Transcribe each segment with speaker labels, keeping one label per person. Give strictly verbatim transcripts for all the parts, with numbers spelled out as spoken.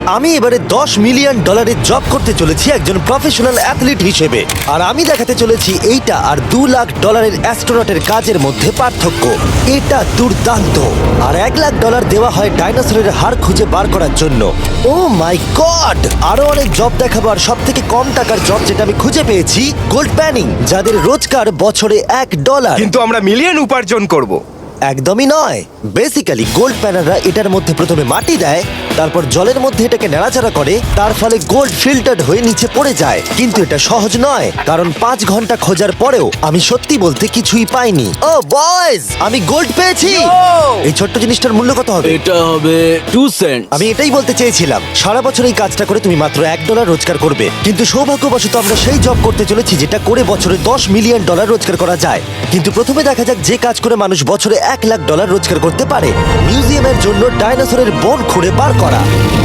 Speaker 1: আমি এবারে দশ মিলিয়ন ডলারের জব করতে চলেছি একজন প্রফেশনাল অ্যাথলিট হিসেবে, আর আমি দেখাতে চলেছি এইটা আর দু লাখ ডলারের অ্যাস্ট্রোনটের কাজের মধ্যে পার্থক্য। এটা দুর্দান্ত। আর এক লাখ ডলার দেওয়া হয় ডাইনোসরের হাড় খুঁজে বার করার জন্য। Oh my god! আরো অনেক জব দেখাবো, আর সব থেকে কম টাকার জব যেটা আমি খুঁজে পেয়েছি, গোল্ড প্যানিং, যাদের রোজগার বছরে এক ডলার।
Speaker 2: কিন্তু আমরা মিলিয়ন উপার্জন করব।
Speaker 1: একদমই নয়। বেসিক্যালি গোল্ড প্যানাররা এটার মধ্যে প্রথমে মাটি দেয়, তারপর জলের মধ্যে এটাকে নাড়াচাড়া করে, তার ফলে গোল্ড ফিল্টার্ড হয়ে নিচে পড়ে যায়। কিন্তু এটা সহজ নয়, কারণ পাঁচ ঘন্টা খোঁজার পরেও আমি সত্যি বলতে কিছুই পাইনি। ও বয়েজ, আমি গোল্ড পেয়েছি। এই ছোট্ট জিনিসটার মূল্য কত হবে?
Speaker 3: এটা হবে টু সেন্ট।
Speaker 1: আমি এটাই বলতে চেয়েছিলাম। সারা বছর এই কাজটা করে তুমি মাত্র এক ডলার রোজগার করবে, কিন্তু সৌভাগ্যবশত আমরা সেই জব করতে চলেছি যেটা করে বছরে দশ মিলিয়ন ডলার রোজগার করা যায়। কিন্তু প্রথমে দেখা যাক যে কাজ করে মানুষ বছরে এক লাখ ডলার রোজগার করতে পারে। মিউজিয়ামের জন্য ডাইনোসরের বোন খুঁড়ে বার করা।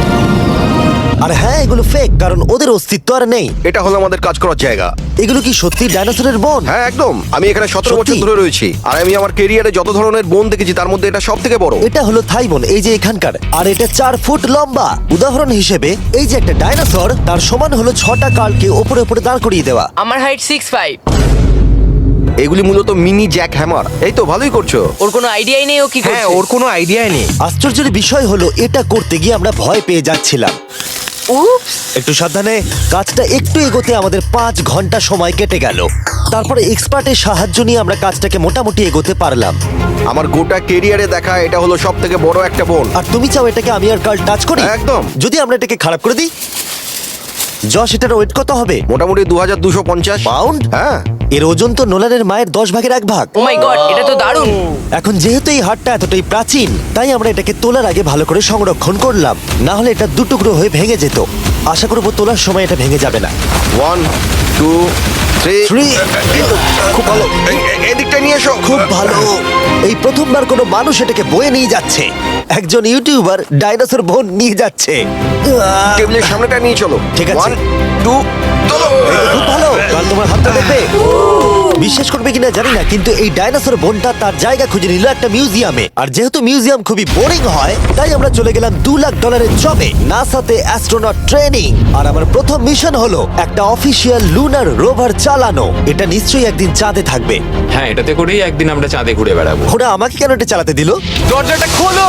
Speaker 1: আর হ্যাঁ, এগুলো ফেক, কারণ ওদের অস্তিত্ব আর নেই।
Speaker 4: এটা হলো আমাদের কাজ করার জায়গা।
Speaker 1: এগুলো কি সত্যি ডাইনোসরের বোন?
Speaker 4: হ্যাঁ একদম। আমি এখানে সতেরো বছর
Speaker 1: সত্যি?
Speaker 4: ধরে রয়েছি, আর আমি আমার কেরিয়ারে যত ধরনের বোন দেখেছি তার মধ্যে এটা সব থেকে বড়।
Speaker 1: এটা হলো থাই বোন, এই যে এখানকার, আর এটা চার ফুট লম্বা। উদাহরণ হিসেবে এই যে একটা ডাইনোসর, তার সমান হলো ছটা কালকে ওপরে ওপরে দাঁড় করিয়ে দেওয়া।
Speaker 5: আমার হাইট সিক্স ফাইভ।
Speaker 4: এগুলি মূলত মিনি জ্যাক হ্যামার। এই তো ভালোই করছো।
Speaker 5: ওর কোনো আইডিয়াই নেই ও কি
Speaker 2: হ্যাঁ,
Speaker 5: করছে।
Speaker 2: ওর কোনো আইডিয়াই নেই।
Speaker 1: আশ্চর্যের বিষয় হলো এটা করতে গিয়ে আমরা ভয় পেয়ে যাচ্ছিলাম।
Speaker 5: উপস।
Speaker 1: একটু সাবধানে। কাজটা একটু এগোতে আমাদের পাঁচ ঘন্টা সময় কেটে গেল। তারপরে এক্সপার্টের সাহায্য নিয়ে আমরা কাজটাকে মোটামুটি এগোতে পারলাম।
Speaker 4: আমার গোটা কেরিয়ারে দেখা এটা হলো সব থেকে বড় একটা বোন।
Speaker 1: আর তুমি চাও এটাকে আমি আর কাল টাচ করি?
Speaker 4: একদম।
Speaker 1: যদি আমরা এটাকে খারাপ করে দিই? যশ, এটার ওয়েট কত হবে?
Speaker 4: মোটামুটি দু হাজার দুশো পঞ্চাশ
Speaker 1: পাউন্ড?
Speaker 4: হ্যাঁ।
Speaker 1: এর ওজন তো নোলানের মায়ের দশ ভাগের এক ভাগ।
Speaker 5: ও মাই গড, এটা তো দারুণ।
Speaker 1: এখন যেহেতু এই হাটটা এতটাই প্রাচীন, তাই আমরা এটাকে তোলার আগে ভালো করে সংরক্ষণ করলাম, না হলে এটা দুটুকরো হয়ে ভেঙে যেত। আশা করবো তোলার সময় এটা ভেঙে যাবে না।
Speaker 4: One two three
Speaker 1: Three.
Speaker 4: খুব ভালো। এই- এই- এদিকটা নিয়ে এসো।
Speaker 1: খুব ভালো। এই প্রথমবার কোনো মানুষ এটাকে বয়ে নিয়ে যাচ্ছে। একজন ইউটিউবার ডাইনোসর বোন নিয়ে যাচ্ছে। আহ,
Speaker 4: টেবিলের সামনেটা নিয়ে চলো।
Speaker 1: ঠিক আছে।
Speaker 4: ওয়ান টু চলো।
Speaker 1: এই তো খুব ভালো। কাল তোমার হাতটা দেখবে। বিশ্বাস করবে কিনা জানি না, কিন্তু এই ডাইনোসর বোনটা তার জায়গা খুঁজে নিল একটা মিউজিয়ামে। আর যেহেতু মিউজিয়াম খুবই বোরিং হয়, তাই আমরা চলে গেলাম দু লাখ ডলারের জবে, নাসাতে অ্যাস্ট্রোনট ট্রেনিং। আর আমার প্রথম মিশন হলো একটা অফিসিয়াল লুনার রোভার চালানো। এটা নিশ্চয়ই একদিন চাঁদে থাকবে।
Speaker 6: হ্যাঁ, এটাতে করেই একদিন আমরা চাঁদে ঘুরে বেড়াবো।
Speaker 1: ওরা আমাকে কেন এটা চালাতে দিল?
Speaker 2: দরজাটা খোলো।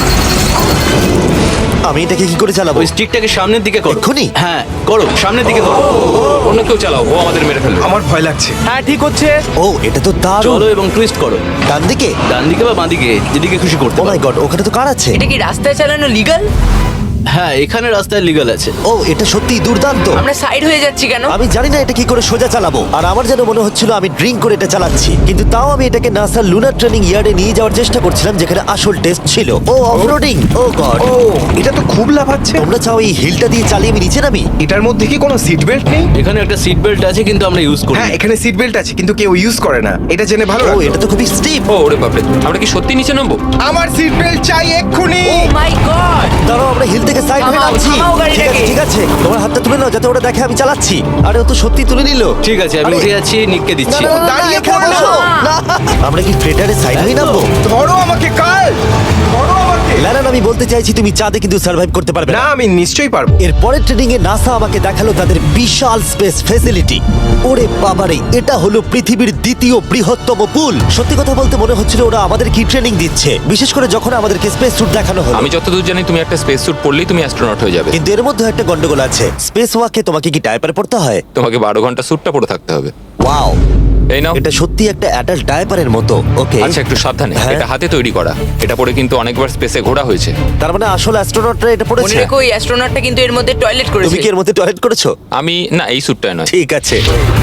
Speaker 1: আমি এটাকে কি করে চালাবো?
Speaker 3: ওই স্টিকটাকে সামনের দিকে করো।
Speaker 1: এক্ষুনি?
Speaker 3: হ্যাঁ করো, সামনের দিকে করো।
Speaker 6: অন্য কেউ চালাও, ও আমাদের মেরে ফেলবে।
Speaker 2: আমার ভয় লাগছে। হ্যাঁ ঠিক হচ্ছে।
Speaker 1: ও, এটা তো দারুণ।
Speaker 3: চলো এবং টুইস্ট করো,
Speaker 1: ডান দিকে?
Speaker 3: ডান দিকে বা বাঁ দিকে, যেদিকে খুশি করতে
Speaker 1: ও মাই
Speaker 3: পারো।
Speaker 1: গড, ওখানে তো কার আছে?
Speaker 5: এটা কি রাস্তায় চালানো লিগাল?
Speaker 3: হ্যাঁ, এখানে রাস্তায় লিগাল আছে।
Speaker 1: ও, এটা সত্যি দুর্দান্ত।
Speaker 5: আমরা সাইড হয়ে যাচ্ছি কেন?
Speaker 1: আমি জানি না এটা কি করে সোজা চালাবো, আর আমার যেন মনে হচ্ছিল আমি ড্রিঙ্ক করে এটা চালাচ্ছি। কিন্তু তাও আমি এটাকে নাসার লুনার ট্রেনিং ইয়ার্ডে নিয়ে যাওয়ার চেষ্টা করছিলাম, যেখানে আসল টেস্ট ছিল। ও অফরোডিং। ও গড।
Speaker 2: ও, এটা তো খুব লাফাচ্ছে।
Speaker 1: তোমরা চাও এই হিলটা দিয়ে চালিয়ে আমি নিচে নামি?
Speaker 2: এটার মধ্যে কি কোনো সিট বেল্ট নেই?
Speaker 3: এখানে একটা সিট বেল্ট আছে, কিন্তু আমরা ইউজ করি না।
Speaker 2: হ্যাঁ, এখানে সিট বেল্ট আছে কিন্তু কেউ ইউজ করে না। এটা জেনে ভালো
Speaker 1: ও,
Speaker 2: লাগলো।
Speaker 1: এটা তো খুবই স্টিপ।
Speaker 6: ও ওরে বাপরে, আমরা কি সত্যি নিচে নামবো?
Speaker 2: আমার সিট বেল্ট চাই এক্ষুনি।
Speaker 5: Oh my god.
Speaker 1: দাঁড়াও, আমরা হিল থেকে সাইড হয়ে
Speaker 5: থামাও,
Speaker 1: নামছি।
Speaker 5: থামাও
Speaker 1: ঠিক আছে,
Speaker 5: গাড়িটাকে।
Speaker 1: ঠিক আছে, তোমার হাতটা তুলে নাও যাতে ওরা দেখে আমি চালাচ্ছি। আরে ও তো সত্যি তুলে নিল।
Speaker 3: ঠিক আছে, আমি
Speaker 1: আরে,
Speaker 3: উঠে যাচ্ছি, নিককে
Speaker 1: না,
Speaker 3: দিচ্ছি।
Speaker 1: না, না, না,
Speaker 2: দাঁড়িয়ে
Speaker 1: এখানে
Speaker 2: পড়ো।
Speaker 1: বসো। না, আমরা কি ফ্রেটারে সাইড হয়ে নামবো?
Speaker 2: ধরো আমাকে কাল। ধরো আমাকে।
Speaker 1: ল্যারান, আমি বলতে চাইছি তুমি চাঁদে কিন্তু সার্ভাইভ করতে পারবে
Speaker 2: না,
Speaker 1: না।
Speaker 2: আমি নিশ্চয়ই পারবো।
Speaker 1: এর পরের ট্রেনিং এ নাসা আমাকে দেখালো তাদের বিশাল স্পেস ফেসিলিটি। ওরে বাবারে, এটা হলো পৃথিবীর দ্বিতীয় বৃহত্তম পুল। সত্যি কথা বলতে মনে হচ্ছিল ওরা আমাদের কি ট্রেনিং দিচ্ছে, বিশেষ করে যখন আমাদেরকে স্পেস স্যুট দেখানো হলো।
Speaker 6: আমি যতদূর জানি তুমি একটা স্পেস স্যুট পরলেই তুমি অ্যাস্ট্রোনট হয়ে যাবে।
Speaker 1: কিন্তু এর মধ্যে একটা গন্ডগোল আছে। স্পেস ওয়াকে তোমাকে কি ডায়পার পড়তে হয়?
Speaker 6: তোমাকে বারো ঘন্টা স্যুটটা পরে থাকতে হবে।
Speaker 1: ওয়াও,
Speaker 6: এই নাও।
Speaker 1: এটা সত্যি একটা অ্যাডাল্ট ডায়পারের মতো। ওকে,
Speaker 6: আচ্ছা, একটু সাবধানে।
Speaker 1: হ্যাঁ।
Speaker 6: এটা হাতে তৈরি করা। এটা পরে কিন্তু অনেকবার স্পেসে ঘোরা হয়েছে।
Speaker 1: তার মানে আসল অ্যাস্ট্রোনটরা এটা
Speaker 5: মনে
Speaker 1: পড়েছে।
Speaker 5: রেখো, ওই অ্যাস্ট্রোনটটা কিন্তু এর মধ্যে টয়লেট
Speaker 1: তুমি
Speaker 5: করেছে।
Speaker 1: কি এর মধ্যে টয়লেট করেছো?
Speaker 6: আমি না, এই স্যুটটায় নয়।
Speaker 1: ঠিক আছে।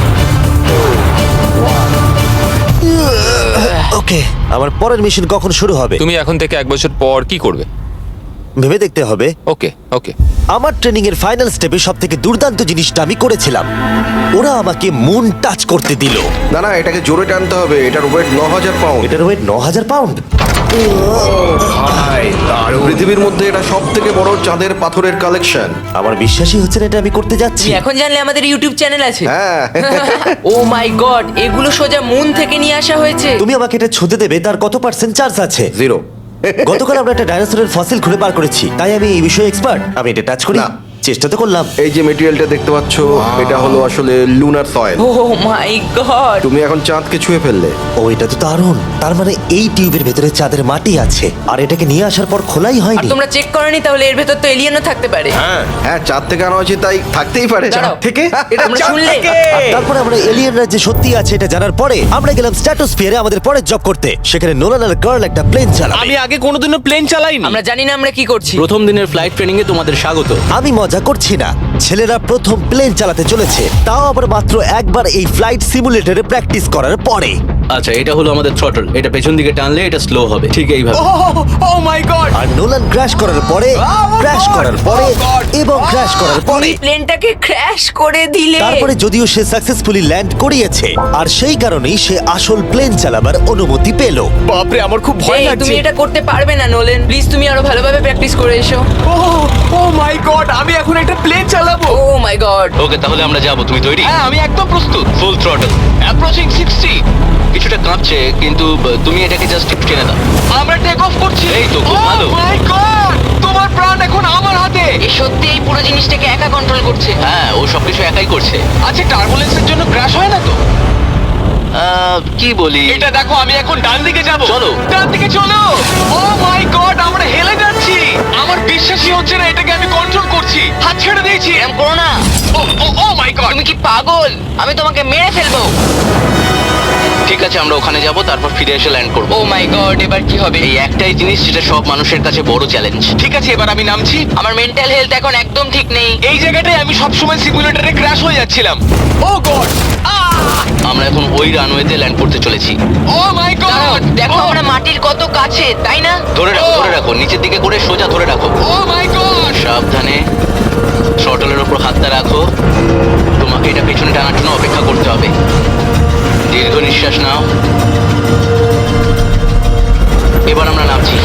Speaker 1: ওকে, আমার পরের মিশন কখন শুরু হবে
Speaker 6: তুমি এখন থেকে এক বছর পর কি করবে?
Speaker 1: ভেবে দেখতে হবে।
Speaker 6: ওকে ওকে।
Speaker 1: আমার ট্রেনিং এর ফাইনাল স্টেপে সব থেকে দুর্দান্ত জিনিসটা আমি করেছিলাম। ওরা আমাকে মুন টাচ করতে দিল।
Speaker 4: না না, এটাকে জোরে টানতে হবে। এটার ওয়েট ন হাজার পাউন্ড।
Speaker 1: এটার ওয়েট ন হাজার পাউন্ড।
Speaker 2: ভাই, দারুণ।
Speaker 4: পৃথিবীর মধ্যে এটা সব থেকে বড় চাঁদের পাথরের কালেকশন।
Speaker 1: আমার বিশ্বাসই হচ্ছে না এটা আমি করতে যাচ্ছি।
Speaker 5: তুমি এখন জানলে আমাদের ইউটিউব চ্যানেল আছে।
Speaker 4: হ্যাঁ।
Speaker 5: ও মাই গড, এগুলো সোজা মুন থেকে নিয়ে আসা হয়েছে।
Speaker 1: তুমি আমাকে এটা ছুঁতে দেবে, তার কত পার্সেন্ট চার্জ আছে?
Speaker 4: জিরো।
Speaker 1: গতকাল আমরা একটা ডাইনোসরের ফসিল খুঁজে বার করেছি, তাই আমি এই বিষয়ে এক্সপার্ট। আমি এটা টাচ করি,
Speaker 4: না।
Speaker 1: চেষ্টা তো করলাম।
Speaker 4: এই যে মেটেরিয়ালটা দেখতে পাচ্ছ, এটা হলো আসলে lunar soil.
Speaker 5: Oh my god
Speaker 4: তুমি এখন চাঁদকে ছুঁয়ে ফেললে।
Speaker 1: ও, এটা তো দারুণ। তার মানে এই টিউবের ভেতরে চাঁদের মাটি আছে, আর এটাকে নিয়ে আসার পর খোলাই
Speaker 5: আর
Speaker 1: হয়নি।
Speaker 5: তোমরা চেক করনি তাহলে এর ভেতর তো এলিয়েনও থাকতে পারে।
Speaker 4: হ্যাঁ হ্যাঁ, চাঁদ থেকে আনা হয়েছে তাই থাকতেই পারে।
Speaker 5: দাঁড়াও।
Speaker 2: থেকে এটা
Speaker 5: তোমরা
Speaker 2: চাঁদ
Speaker 5: শুনলে?
Speaker 2: থেকে।
Speaker 1: আর তারপরে আমরা এলিয়েনরা যে সত্যি আছে এটা জানার পরে আমরা গেলাম স্ট্র্যাটোস্ফিয়ারে আমাদের পরের জব করতে। সেখানে নোলান আর গার্ল একটা প্লেন চালাবে।
Speaker 3: আমি আগে কোনোদিনও প্লেন চালাইনি।
Speaker 5: আমরা জানি না আমরা কি করছি।
Speaker 3: প্রথম দিনের ফ্লাইট ট্রেনিং এ তোমাদের স্বাগত।
Speaker 1: আমি মজা করছি না, ছেলেরা প্রথম প্লেন চালাতে চলেছে, তাও আবার মাত্র একবার এই ফ্লাইট সিমুলেটরে প্র্যাকটিস করার পরে।
Speaker 3: আচ্ছা, এটা হলো আমাদের থ্রটল। এটা পেছন দিকে টানলে এটা স্লো হবে, ঠিক এইভাবে।
Speaker 2: Oh my god.
Speaker 1: আর নোলান ক্র্যাশ করার পরে, ক্র্যাশ করার পরে এবং ক্র্যাশ করার পরে,
Speaker 5: প্লেনটাকে ক্র্যাশ করে দিলে।
Speaker 1: তারপরে যদিও সে সাকসেসফুলি ল্যান্ড করিয়েছে, আর সেই কারণেই সে আসল প্লেন চালাবার অনুমতি পেল।
Speaker 2: বাপরে, আমার খুব ভয়
Speaker 5: এই,
Speaker 2: লাগছে।
Speaker 5: তুমি এটা করতে পারবে না নোলেন। প্লিজ তুমি আরো ভালোভাবে প্র্যাকটিস করে এসো।
Speaker 2: ও ও মাই গড, আমি এখন একটা প্লেন চালাবো।
Speaker 5: ও মাই গড।
Speaker 3: ওকে, তাহলে আমরা যাবো। তুমি তৈরি?
Speaker 2: হ্যাঁ, আমি একদম প্রস্তুত।
Speaker 3: Full throttle, approaching sixty. কিছুটা কাঁপছে, কিন্তু আহ, তুমি এটাকে জাস্ট টেনে দাও।
Speaker 2: আমরা টেক অফ করছি।
Speaker 3: এই তো, খুব ভালো।
Speaker 2: ও মাই গড, তোমার প্রাণ এখন আমার হাতে।
Speaker 5: এ সত্যি এই পুরো জিনিসটাকে একা কন্ট্রোল করছে।
Speaker 3: হ্যাঁ, ও সবকিছু একাই করছে।
Speaker 2: আচ্ছা, টার্বুলেন্সের জন্য ক্র্যাশ হয় না তো?
Speaker 3: আহ, কি বলি?
Speaker 2: এটা দেখো, আমি এখন ডান দিকে যাব।
Speaker 3: চলো।
Speaker 2: ডান দিকে চলো। ও মাই গড, আমরা হেলে যাচ্ছি। আমার বিশ্বাসই হচ্ছে না এটাকে আমি কন্ট্রোল করছি। হাত ছেড়ে দিয়েছি।
Speaker 5: এরম করো না।
Speaker 2: Oh oh oh my god.
Speaker 5: তুমি কি পাগল? আমি তোমাকে মেরে ফেলবো।
Speaker 3: ঠিক আছে, আমরা ওখানে যাব, তারপর ফিরে এসে ল্যান্ড করব।
Speaker 5: ও মাই গড, এবার কি হবে?
Speaker 3: এই একটাই জিনিস যেটা সব মানুষের কাছে বড় চ্যালেঞ্জ।
Speaker 2: ঠিক আছে, এবার আমি নামছি।
Speaker 5: আমার মেন্টাল হেলথ এখন একদম ঠিক নেই।
Speaker 2: এই জায়গাটায় আমি সবসময় সিমুলেটরে ক্র্যাশ হয়ে যাচ্ছিলাম। Oh god.
Speaker 3: আমরা এখন ওই রানওয়েতে ল্যান্ড করতে চলেছি।
Speaker 2: ও মাই
Speaker 5: দাঁড়াও,
Speaker 2: গড।
Speaker 5: দেখো আমরা মাটির কত কাছে, তাই না?
Speaker 3: ধরে রাখো, ধরে রাখো, নিচের দিকে করে সোজা ধরে রাখো।
Speaker 2: Oh my god.
Speaker 3: সাবধানে থ্রটলের উপর হাতটা রাখো। তোমাকে এটা পেছনে টানার জন্য অপেক্ষা করতে হবে। দীর্ঘ নিঃশ্বাস নাও। এবার আমরা নামছি।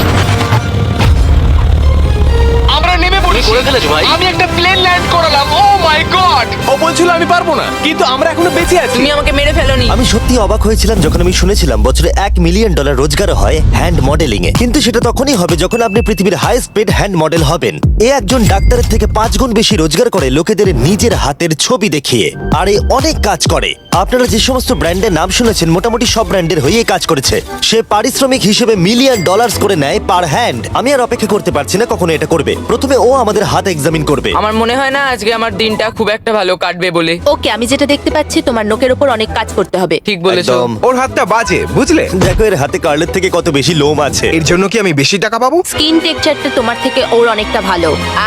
Speaker 2: আমরা নেমে পড়েছি।
Speaker 3: করে ফেলেছো ভাই।
Speaker 2: আমি একটা প্লেন ল্যান্ড করালাম। ও মাই গড। ও বলছিল আমি পারবো না, কিন্তু আমরা এখনো বেঁচে আছি।
Speaker 5: তুমি আমাকে মেরে ফেলোনি।
Speaker 1: আমি সত্যি অবাক হয়েছিলাম যখন আমি শুনেছিলাম বছরে এক মিলিয়ন ডলার রোজগার হয় হ্যান্ড মডেলিং এ। কিন্তু সেটা তখনই হবে যখন আপনি পৃথিবীর হাইস্ট পেড হ্যান্ড মডেল হবেন। এ একজন ডাক্তারের থেকে পাঁচ গুণ বেশি রোজগার করে লোকেদের নিজের হাতের ছবি দেখিয়ে, আর এ অনেক কাজ করে। আপনারা যে সমস্ত ব্র্যান্ডের নাম শুনেছেন মোটামুটি সব ব্র্যান্ডের হয়েই কাজ করেছে। সে পারিশ্রমিক হিসেবে মিলিয়ন ডলার্স করে নেয় পার হ্যান্ড। আমি আর অপেক্ষা করতে পারছি না কখনো এটা করবে। প্রথমে ও আমাদের হাত এক্সামিন করবে।
Speaker 5: আমার মনে হয় না আজকে আমার দিনটা খুব একটা ভালো কাটবে বলে।
Speaker 7: ওকে, আমি যেটা দেখতে পাচ্ছি তোমার নোকের ওপর অনেক কাজ করতে হবে।
Speaker 5: ঠিক বলেছো।
Speaker 1: একদম।
Speaker 2: ওর হাতটা বাজে, বুঝলে?
Speaker 1: দেখো এর হাতে কার্লের থেকে কত বেশি লোম আছে।
Speaker 2: এর জন্য কি আমি বেশি টাকা পাবো?
Speaker 7: স্কিন টেক্সচারটা তোমার থেকে ওর অনেকটা ভালো।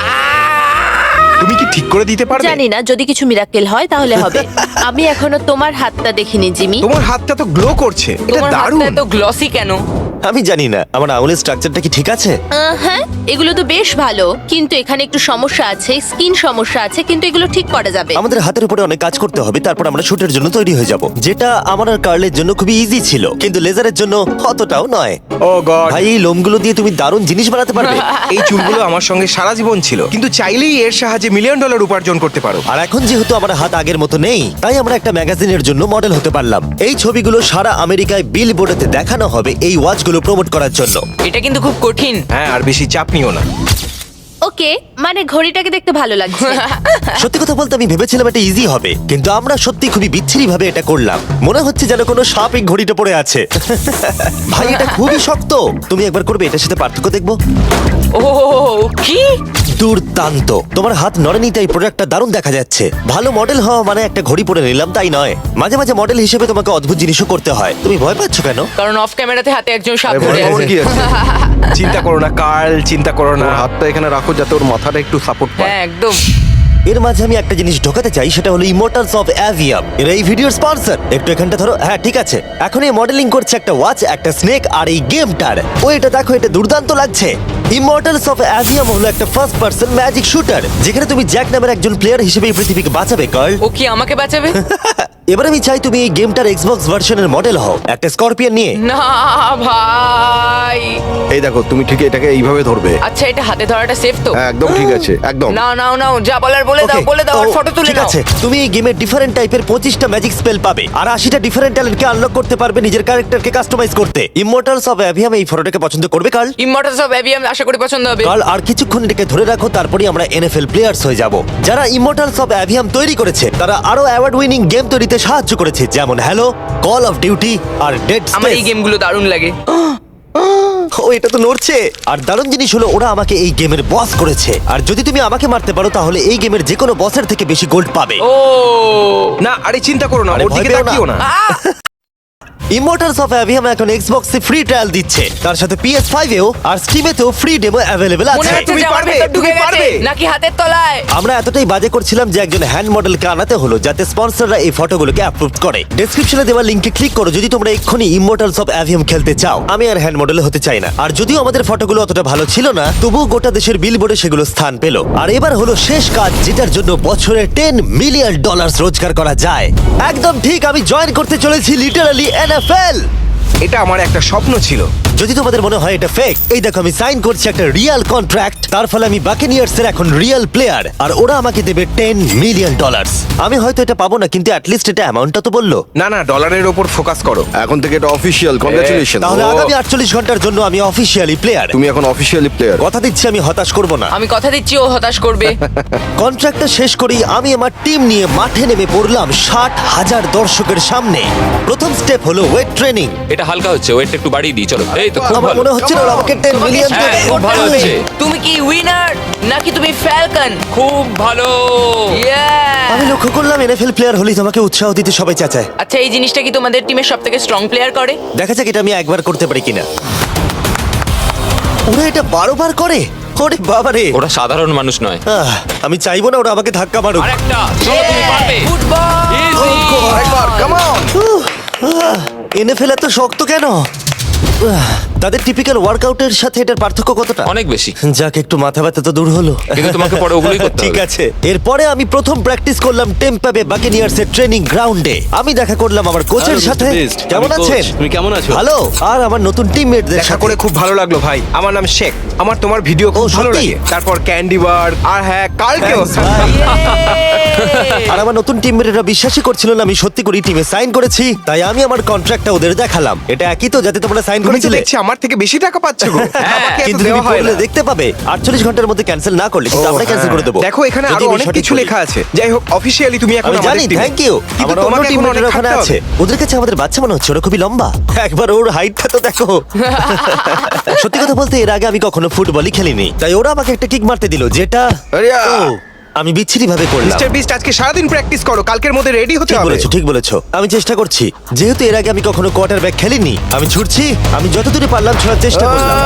Speaker 2: তুমি কি ঠিক করে দিতে পারবে?
Speaker 7: জানি না, যদি কিছু মিরাকেল হয় তাহলে হবে। আমি এখনো তোমার হাতটা দেখিনি জিমি।
Speaker 2: তোমার হাতটা তো গ্লো করছে। এটা
Speaker 5: তোমার
Speaker 2: দারুণ।
Speaker 5: হাতটা এত গ্লসি কেন?
Speaker 1: আমি জানি না আমার আঙুলের স্ট্রাকচারটা কি ঠিক আছে।
Speaker 7: আহ, হ্যাঁ, এগুলো তো বেশ ভালো, কিন্তু এখানে একটু সমস্যা আছে, স্কিন সমস্যা আছে, কিন্তু এগুলো ঠিক করা যাবে।
Speaker 1: আমাদের হাতের উপরে অনেক কাজ করতে হবে, তারপর আমরা শুটের জন্য তৈরি হয়ে যাব, যেটা আমার আর কার্লের জন্য খুবই ইজি ছিল, কিন্তু লেজারের জন্য অতটাও নয়।
Speaker 2: Oh god.
Speaker 1: ভাই এই লোমগুলো দিয়ে তুমি দারুণ জিনিস বানাতে পারবে।
Speaker 2: এই চুলগুলো আমার সঙ্গে সারা জীবন ছিল, কিন্তু চাইলেই এর সাহায্যে মিলিয়ন ডলার উপার্জন করতে পারো।
Speaker 1: আর এখন যেহেতু আমার হাত আগের মতো নেই, তাই আমরা একটা ম্যাগাজিনের জন্য মডেল হতে পারলাম। এই ছবিগুলো সারা আমেরিকায় বিল বোর্ডেতে দেখানো হবে এই ওয়াচগুলো প্রমোট করার জন্য।
Speaker 5: এটা কিন্তু খুব কঠিন।
Speaker 2: হ্যাঁ, আর বেশি চাপ নিও না।
Speaker 7: ওকে, মানে ঘড়িটাকে দেখতে ভালো লাগছে।
Speaker 1: সত্যি কথা বলতে আমি ভেবেছিলাম এটা ইজি হবে, কিন্তু আমরা সত্যি খুবই বিচ্ছিরি ভাবে এটা করলাম। মনে হচ্ছে যেন কোনো সাপ এই ঘড়িটা পড়ে আছে। ভাই এটা খুবই শক্ত। তুমি একবার করবে, এটার সাথে পার্থক্য দেখবো।
Speaker 5: ও কি
Speaker 1: দুর্দান্ত। তোমার হাত নড়েনি তাই প্রোডাক্টটা দারুণ দেখা যাচ্ছে। ভালো মডেল হওয়া মানে একটা ঘড়ি পরে নিলাম তাই নয়, মাঝে মাঝে মডেল হিসেবে তোমাকে অদ্ভুত জিনিসও করতে হয়। তুমি ভয় পাচ্ছ কেন?
Speaker 5: কারণ অফ ক্যামেরাতে হাতে একজন সাপ
Speaker 4: আরে
Speaker 5: ধরে
Speaker 4: ভয় পাওয়ার
Speaker 5: আছে।
Speaker 4: কি আছে?
Speaker 2: চিন্তা করো না কার্ল, চিন্তা করো না।
Speaker 4: ওর হাতটা এখানে রাখো যাতে ওর মাথাটা একটু সাপোর্ট পায়।
Speaker 5: হ্যাঁ একদম।
Speaker 1: এর মাঝে আমি একটা জিনিস ঢোকাতে চাই, সেটা হলো ইমোর্টালস অফ অ্যাভিয়াম। এর এই ভিডিওর স্পন্সর। একটু এখানটা ধরো। হ্যাঁ ঠিক আছে। এখন এই মডেলিং করছে একটা ওয়াচ, একটা স্নেক আর এই গেমটার। ও এটা দেখো, এটা দুর্দান্ত লাগছে। ইমর্টালস অফ অ্যাভিয়াম হলো একটা ফার্স্ট পার্সন ম্যাজিক শুটার, যেখানে তুমি জ্যাক নামের একজন প্লেয়ার হিসেবে এই পৃথিবীকে বাঁচাবে। কার্ল
Speaker 5: ও কি আমাকে বাঁচাবে?
Speaker 1: এবার আমি চাই তুমি এই গেমটার এক্সবক্স ভার্সনের মডেল হও, একটা স্করপিয়ন নিয়ে।
Speaker 5: না ভাই।
Speaker 4: এই দেখো, তুমি ঠিক এটাকে এইভাবে ধরবে।
Speaker 5: আচ্ছা, এটা হাতে ধরাটা সেফ তো?
Speaker 4: হ্যাঁ, একদম ঠিক আছে, একদম।
Speaker 5: নাও নাও নাও, যা বলার বলে দাও,
Speaker 1: Okay,
Speaker 5: বলে দাও, আর
Speaker 1: তো
Speaker 5: ফটো তুলে
Speaker 1: ঠিক
Speaker 5: নাও।
Speaker 1: আছে, তুমি এই গেমের ডিফারেন্ট টাইপের পঁচিশটা ম্যাজিক স্পেল পাবে আর আশিটা ডিফারেন্ট ট্যালেন্টকে আনলক করতে পারবে নিজের ক্যারেক্টারকে কাস্টমাইজ করতে। ইমমর্টালস অফ অ্যাভিয়াম এই ফটোটাকে পছন্দ করবে কার্ল?
Speaker 5: ইমমর্টালস অফ অ্যাভিয়াম আশা করি পছন্দ হবে।
Speaker 1: কার্ল, আর কিছুক্ষণ এটাকে ধরে রাখো, তারপরেই আমরা এনএফএল প্লেয়ার্স হয়ে যাব। যারা ইমমর্টালস অফ অ্যাভিয়াম তৈরি করেছে তারা আরো অ্যাওয়ার্ড উইনিং গেম তৈরিতে সাহায্য করেছে, যেমন হ্যালো, কল অফ ডিউটি আর ডেড
Speaker 5: আমার এই
Speaker 1: স্পেস।
Speaker 5: গেমগুলো দারুণ লাগে।
Speaker 1: ও, এটা তো নড়ছে। আর দারুণ জিনিস হলো ওরা আমাকে এই গেমের বস করেছে, আর যদি তুমি আমাকে মারতে পারো তাহলে এই গেমের যে কোনো বসের থেকে বেশি গোল্ড পাবে।
Speaker 5: ও
Speaker 8: না, আরে চিন্তা করো না,
Speaker 1: আরে
Speaker 8: ওর
Speaker 1: ভয়
Speaker 8: দিকে
Speaker 1: পেও না।
Speaker 8: তাকিও না।
Speaker 1: ইমমর্টালস অফ অ্যাভিয়াম এখন এক্সবক্সে ফ্রি ট্রায়াল দিচ্ছে, তার সাথে পি এস ফাইভ এও আর স্টিমেতেও ফ্রি ডেমো অ্যাভেলেবল
Speaker 5: মনে
Speaker 1: আছে।
Speaker 5: হচ্ছে
Speaker 8: তুমি
Speaker 5: যে আমার
Speaker 8: পারবে,
Speaker 5: ভেতর ঢুকে
Speaker 8: তুমি
Speaker 5: গেছে,
Speaker 8: পারবে।
Speaker 5: নাকি হাতের তলায়।
Speaker 1: আমরা এতটাই বাজে করছিলাম যে একজন হ্যান্ড মডেলকে আনাতে হলো যাতে স্পন্সররা এই ফটোগুলোকে অ্যাপ্রুভ করে। ডেসক্রিপশনে দেওয়া লিংকে ক্লিক করো যদি তোমরা এক্ষুনি ইমমর্টালস অফ অ্যাভিয়াম খেলতে চাও। আমি আর হ্যান্ড মডেল হতে চাই না, আর যদিও আমাদের ফটোগুলো অতটা ভালো ছিল না, তবুও গোটা দেশের বিলবোর্ডে সেগুলো স্থান পেল। আর এবার হলো শেষ কাজ, যেটার জন্য বছরে টেন মিলিয়ন ডলার রোজগার করা যায়। একদম ঠিক, আমি জয়েন করতে চলেছি লিটারালি এনএফএল।
Speaker 8: এটা আমার একটা স্বপ্ন ছিল।
Speaker 1: যদি তোমাদের মনে হয় এটা ফেক, এই দেখো আমি সাইন করছি একটা রিয়েল কন্ট্রাক্ট। তার ফলে আমি বাকেনিয়ার্স এর এখন রিয়েল প্লেয়ার, আর ওরা আমাকে দেবে টেন মিলিয়ন ডলার। আমি হয়তো এটা পাবো না, কিন্তু অ্যাটলিস্ট এটা অ্যামাউন্টটা তো বললো।
Speaker 8: না না, ডলারের ওপর ফোকাস করো।
Speaker 4: এখন থেকে এটা অফিসিয়াল, কংগ্রাচুলেশন।
Speaker 1: তাহলে আগামী আটচল্লিশ ঘন্টার জন্য আমি অফিসিয়ালি প্লেয়ার।
Speaker 4: তুমি এখন অফিসিয়ালি প্লেয়ার।
Speaker 1: কথা দিচ্ছি আমি হতাশ করব না।
Speaker 5: আমি কথা দিচ্ছি ও হতাশ করবে।
Speaker 1: কন্ট্রাক্টটা শেষ করেই আমি আমার টিম নিয়ে মাঠে নেমে পড়লাম ষাট হাজার দর্শকের সামনে। প্রথম স্টেপ হলো ওয়েট ট্রেনিং।
Speaker 6: এটা হালকা হচ্ছে, ওয়েটটা একটু বাড়িয়ে দিই, চলো। এই তো খুব
Speaker 1: আমার
Speaker 6: ভালো।
Speaker 1: মনে হচ্ছে না ওরা আমাকে টেন
Speaker 5: তোমাকে
Speaker 1: মিলিয়ন
Speaker 5: start
Speaker 6: হ্যাঁ, খুব
Speaker 5: করতে
Speaker 6: ভালো
Speaker 5: হবে।
Speaker 6: হচ্ছে।
Speaker 5: তুমি কি উইনার নাকি তুমি ফ্যালকন?
Speaker 6: খুব ভালো।
Speaker 1: আমি লক্ষ্য করলাম এনএফএল প্লেয়ার হলেই তোমাকে উৎসাহ দিতে সবাই চাচায়।
Speaker 5: আচ্ছা, এই জিনিসটা কি তোমাদের টিমের সবথেকে স্ট্রং প্লেয়ার করে?
Speaker 1: দেখা যাক এটা আমি একবার করতে পারি কিনা। ওরা এটা বারো বার করে। ওরে বাবারে,
Speaker 6: ওরা সাধারণ মানুষ নয়।
Speaker 1: আহ, আমি চাইবো না ওরা আমাকে ধাক্কা মারুক।
Speaker 6: আরেকটা, চলো তুমি পারবে।
Speaker 5: ফুটবল।
Speaker 6: Easy!
Speaker 8: আরেকবার, কাম অন।
Speaker 1: এনএফএল এত শক্ত কেন? আহ, তাদের টিপিক্যাল ওয়ার্কআউটের সাথে এটার পার্থক্য কতটা?
Speaker 6: অনেক বেশি।
Speaker 1: যাক, একটু মাথা ব্যথা তো দূর হলো।
Speaker 6: কিন্তু তোমাকে পরে ওগুলোই করতে
Speaker 1: ঠিক
Speaker 6: হবে।
Speaker 1: আছে। এরপরে আমি প্রথম প্র্যাকটিস করলাম টেম্পা বে বাকেনিয়ার্স এর ট্রেনিং গ্রাউন্ডে। আমি দেখা করলাম আমার কোচের সাথে। কেমন আছেন?
Speaker 9: তুমি কেমন আছো?
Speaker 1: ভালো। আর আমার নতুন টিমমেটদের
Speaker 8: দেখা
Speaker 1: সাথে
Speaker 8: করে খুব ভালো লাগলো ভাই। আমার নাম শেখ। আমার তোমার ভিডিও খুব
Speaker 1: ও,
Speaker 8: ভালো
Speaker 1: সত্যি?
Speaker 8: লাগে। তারপর ক্যান্ডি বার আর হ্যাঁ, কালকেও।
Speaker 1: Thanks, ভাই। আর আমার নতুন টিমমেটরা বিশ্বাসই করছিল না আমি সত্যি করে টিমে সাইন করেছি, তাই আমি আমার কন্ট্রাক্টটা ওদের দেখালাম। এটা একই তো যাতে তোমরা সাইন
Speaker 8: তুমি তো
Speaker 1: করেছিলে?
Speaker 8: দেখছি আমার থেকে বেশি টাকা পাচ্ছ গো। আমাকে এত
Speaker 1: কিন্তু তুমি
Speaker 8: দেওয়া হয়
Speaker 1: করলে
Speaker 8: না।
Speaker 1: দেখতে পাবে আটচল্লিশ ঘন্টার মধ্যে ক্যান্সেল না করলে কিন্তু
Speaker 8: ও,
Speaker 1: আমরা ক্যান্সেল করে
Speaker 8: হ্যাঁ।
Speaker 1: দেবো।
Speaker 8: দেখো এখানে
Speaker 1: যদি
Speaker 8: আরো
Speaker 1: আমি
Speaker 8: অনেক
Speaker 1: সঠিক
Speaker 8: কিছু
Speaker 1: বলি।
Speaker 8: লেখা আছে। যাই হোক, অফিসিয়ালি তুমি এখন
Speaker 1: আমি
Speaker 8: আমাদের
Speaker 1: জানি,
Speaker 8: team-এ।
Speaker 1: Thank you.
Speaker 8: কিন্তু
Speaker 1: আমার অন্য
Speaker 8: তোমাকে এখন
Speaker 1: টিমমেটরা
Speaker 8: অনেক
Speaker 1: ওখানে
Speaker 8: খাটতে
Speaker 1: আছে।
Speaker 8: হবে।
Speaker 1: ওদের কাছে আমাদের বাচ্চা মনে হচ্ছে, ওরা খুবই লম্বা। একবার ওর হাইটটা তো দেখো। সত্যি কথা বলতে এর আগে আমি কখনো ফুটবলই খেলিনি, তাই ওরা আমাকে একটা কিক মারতে দিল, যেটা
Speaker 4: আরে, আ!
Speaker 1: ও, আমি বিচ্ছিরি ভাবে করলাম।
Speaker 8: মিস্টার বিস্ট আজকে সারাদিন প্র্যাকটিস করো, কালকের মধ্যে রেডি হতে
Speaker 1: ঠিক
Speaker 8: হবে।
Speaker 1: বলেছো, ঠিক বলেছো। আমি চেষ্টা করছি। যেহেতু এর আগে আমি কখনো কোয়ার্টার ব্যাক খেলিনি, আমি ছুটছি। আমি যতদূরই পারলাম ছোড়ার চেষ্টা করলাম।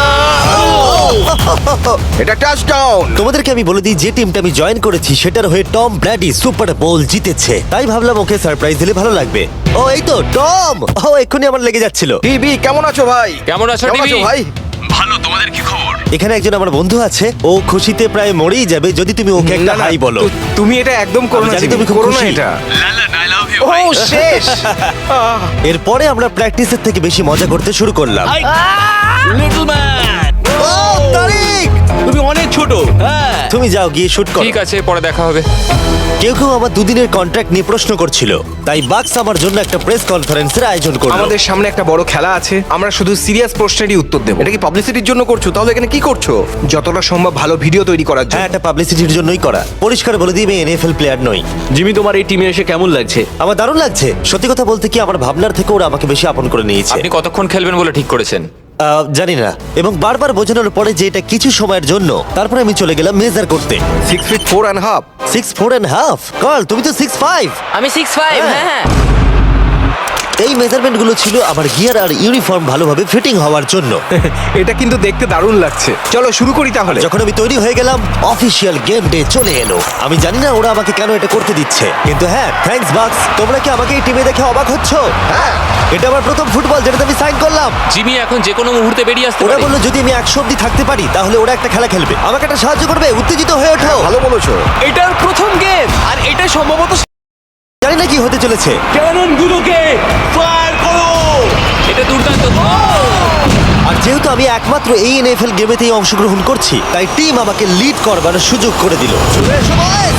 Speaker 4: এটা টাচডাউন।
Speaker 1: তোমাদেরকে আমি বলে দিই যে টিমটা আমি জয়েন করেছি সেটার হয়ে টম ব্র্যাডি সুপার বোল জিতেছে, তাই ভাবলাম ওকে সারপ্রাইজ দিলে ভালো লাগবে। ও, এই তো টম। ও, এক্ষুনি আমার লেগে যাচ্ছিল।
Speaker 4: টিভি কেমন আছো ভাই?
Speaker 6: কেমন আছো, টিভি?
Speaker 4: ভাই?
Speaker 1: এখানে একজন আমার বন্ধু আছে, ও খুশিতে প্রায় মরেই যাবে যদি তুমি ওকে একটা
Speaker 8: না, না,
Speaker 1: হাই বলো।
Speaker 8: তু- তুমি এটা একদম করো
Speaker 1: আমি
Speaker 8: না,
Speaker 1: জানি
Speaker 8: জিমি,
Speaker 1: তুমি খুব
Speaker 8: করো না
Speaker 1: খুশি।
Speaker 8: এটা। ও শেষ।
Speaker 1: এরপরে আমরা প্র্যাকটিসের থেকে বেশি মজা করতে শুরু করলাম।
Speaker 9: লিটল ম্যান,
Speaker 1: ও, তারিক!
Speaker 9: তুমি অনেক ছোট। হ্যাঁ,
Speaker 1: তুমি যাও গিয়ে শুট করো।
Speaker 6: ঠিক আছে, পরে দেখা হবে।
Speaker 1: কেউ কেউ আমার দুদিনের কন্ট্রাক্ট নিয়ে প্রশ্ন করছিল, তাই বাক্স আমার জন্য একটা প্রেস কনফারেন্সের আয়োজন করলো।
Speaker 8: আমাদের সামনে একটা বড় খেলা আছে, আমরা শুধু সিরিয়াস প্রশ্নেরই উত্তর দেব।
Speaker 4: এটা কি পাবলিসিটির জন্য করছো? তাহলে এখানে কি করছো?
Speaker 8: যতটা সম্ভব ভালো ভিডিও তৈরি করার
Speaker 1: হ্যাঁ,
Speaker 8: জন্য।
Speaker 1: এটা পাবলিসিটির জন্যই করা। পরিষ্কার বলে দিই আমি এনএফএল প্লেয়ার নই।
Speaker 9: জিমি, তোমার এই টিমে এসে কেমন লাগছে?
Speaker 1: আমার দারুণ লাগছে। সত্যি কথা বলতে কি, আমার ভাবনার থেকে ওরা আমাকে বেশি আপন করে নিয়েছে।
Speaker 6: আপনি কতক্ষণ খেলবেন বলে ঠিক করেছেন?
Speaker 1: আহ, জানি না, এবং বারবার বোঝানোর পরে যে এটা কিছু সময়ের জন্য, তারপরে আমি চলে গেলাম মেজার করতে।
Speaker 4: Six feet four and half.
Speaker 1: Six four and half. Carl, তুমি তো সিক্স ফাইভ।
Speaker 5: আমি সিক্স ফাইভ।
Speaker 1: হ্যাঁ।
Speaker 5: হ্যাঁ হ্যাঁ।
Speaker 1: এই মেজারমেন্ট গুলো ছিল আমার গিয়ার আর ইউনিফর্ম ভালোভাবে ফিটিং হওয়ার জন্য।
Speaker 8: এটা কিন্তু দেখতে দারুণ লাগছে। চলো শুরু করি তাহলে।
Speaker 1: যখন আমি তৈরি হয়ে গেলাম, অফিসিয়াল গেম ডে চলে এলো। আমি জানি না ওরা আমাকে কেন এটা করতে দিচ্ছে, কিন্তু হ্যাঁ, থ্যাঙ্কস বাক্স। তোমরা কি আমাকে এই টিমে দেখে অবাক হচ্ছ? হ্যাঁ, এটা আমার প্রথম ফুটবল যেটাতে আমি সাইন করলাম।
Speaker 6: জিমি এখন যে কোনো মুহূর্তে বেরিয়ে আসতে
Speaker 1: ওরা
Speaker 6: পারে।
Speaker 1: বললো যদি আমি একশো অব্দি থাকতে পারি তাহলে ওরা একটা খেলা খেলবে, আমাকে একটা সাহায্য করবে। উত্তেজিত হয়ে ওঠো।
Speaker 4: ভালো বলেছো।
Speaker 9: এটার প্রথম গেম, আর এটা সম্ভবত
Speaker 1: জানি এখানে কি হতে চলেছে?
Speaker 9: ক্যানন গুলোকে ফায়ার করো!
Speaker 6: এটা দুর্দান্ত।
Speaker 1: আর যেহেতু আমি একমাত্র এই এনএফএল গেমেতেই অংশগ্রহণ করছি, তাই টিম আমাকে লিড করবার সুযোগ করে দিল। চলে এসো boys!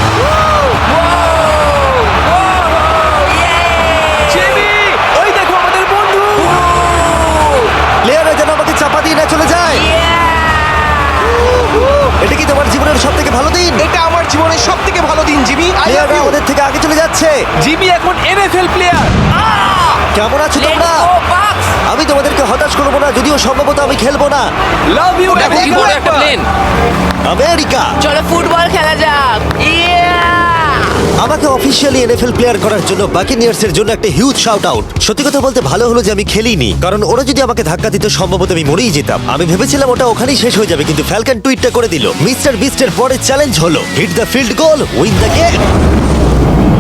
Speaker 8: জিমি, ওই দেখো আমাদের বন্ধু।
Speaker 1: প্লেয়াররা যেন আমাকে চাপা দিয়ে না চলে যায়। এটা কি তোমার জীবনের সব থেকে ভালো দিন?
Speaker 8: এটা আমার জীবনের সব থেকে ভালো দিন, জিমি। আই লাভ
Speaker 1: প্লেয়াররা
Speaker 8: ইউ।
Speaker 1: আমাদের থেকে আগে চলে যাচ্ছে।
Speaker 8: জিমি এখন এনএফএল প্লেয়ার।
Speaker 1: কেমন আছো তোমরা? আমি তোমাদেরকে হতাশ করবো না, যদিও সম্ভবত আমি খেলবো না।
Speaker 8: Love you.
Speaker 6: দেখো কি বড় একটা প্লেন।
Speaker 1: আমেরিকা
Speaker 5: চলো ফুটবল খেলা যাক। ইয়া!
Speaker 1: আমাকে অফিসিয়ালি এনএফএল প্লেয়ার করার জন্য বাকিনিয়ার্স এর জন্য একটা হিউজ শাউট আউট। সত্যি কথা বলতে ভালো হলো যে আমি খেলিনি, কারণ ওরা যদি আমাকে ধাক্কা দিত সম্ভবত আমি মরেই যেতাম। আমি ভেবেছিলাম ওটা ওখানেই শেষ হয়ে যাবে, কিন্তু ফ্যালকন টুইটটা করে দিল, মিস্টার বিস্টের পরের চ্যালেঞ্জ হলো hit the field goal, win the game.